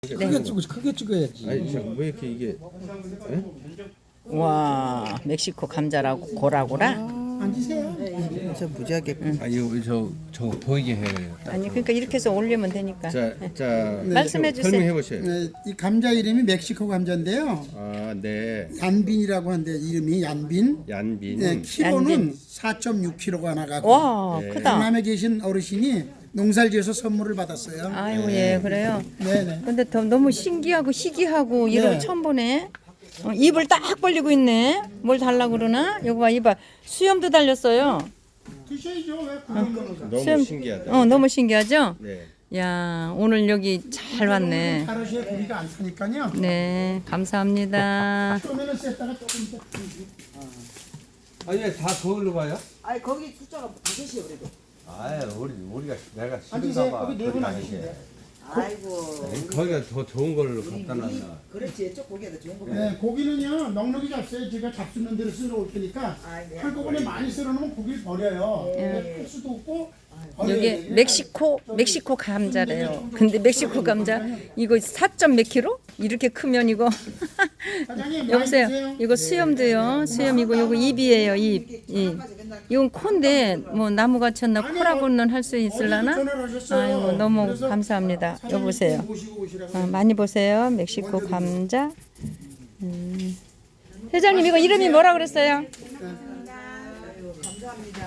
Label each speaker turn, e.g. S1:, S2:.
S1: 크게 찍어야지.
S2: 아니 왜 이렇게 이게 에?
S3: 와, 멕시코 감자라고 고라고라?
S1: 앉으세요.
S4: 저 무지하게
S2: 아 이거 저 보이게 해요.
S3: 아니 그러니까 이렇게 해서 올리면 되니까.
S2: 자
S3: 말씀해 주세요.
S2: 설명해 보세요.
S1: 네, 이 감자 이름이 멕시코 감자인데요.
S2: 아 네.
S1: 얀빈이라고 하는데 이름이 얀빈.
S2: 얀빈.
S1: 네, 키로는
S3: 얀빈.
S1: 4.6kg가 나가고.
S3: 와,
S2: 네.
S3: 크다.
S1: 강남에 계신 어르신이 농사를 지어서 선물을 받았어요.
S3: 아이고 예, 그래요.
S1: 네네.
S3: 근데 너무 신기하고 희귀하고 이런 거
S1: 네.
S3: 처음 보네. 입을 딱 벌리고 있네. 뭘 달라고 그러나? 여기 봐, 이봐. 수염도 달렸어요.
S1: 드셔야죠. 왜 그런 거는?
S2: 너무 신기하다.
S3: 너무 신기하죠?
S2: 네.
S3: 야, 오늘 여기 잘 왔네.
S1: 가로시에 고기가 안 타니까요.
S3: 네, 감사합니다.
S1: 처음에는 셌다가 조금 더.
S2: 아니 다 거울로 봐요?
S4: 아니 거기 숫자가 다섯이요 그래도.
S2: 아 우리가 내가
S1: 앉으세요. 거기 네분 앉으시면
S4: 아이고
S2: 거기가 더 좋은 걸로 갖다 놨나.
S4: 그렇지 쪽 고기가 더 좋은 거.
S1: 네, 고기는요 넉넉히 잡숴요. 제가 잡수는 대로 썰어 올 테니까
S4: 네.
S1: 한꺼번에 많이 썰어 놓으면 고기를 버려요. 할 수도 없고 버려야
S3: 여기
S1: 돼요.
S3: 멕시코 감자래요. 근데 멕시코 감자 이거 4몇 킬로? 이렇게 크면 이거
S1: 사장님, 많이
S3: 여보세요.
S1: 드세요.
S3: 이거 수염도요. 수염이고 요거 입이에요. 입. 이건 콘데 뭐 나무 같이나 코라고는 할 수 있을라나?
S1: 전화를 하셨어요.
S3: 아이고 너무
S1: 그래서
S3: 감사합니다.
S1: 사장님
S3: 여보세요.
S1: 모시고 오시라고.
S3: 많이 보세요. 멕시코 감자. 회장님 이거 이름이 뭐라 그랬어요?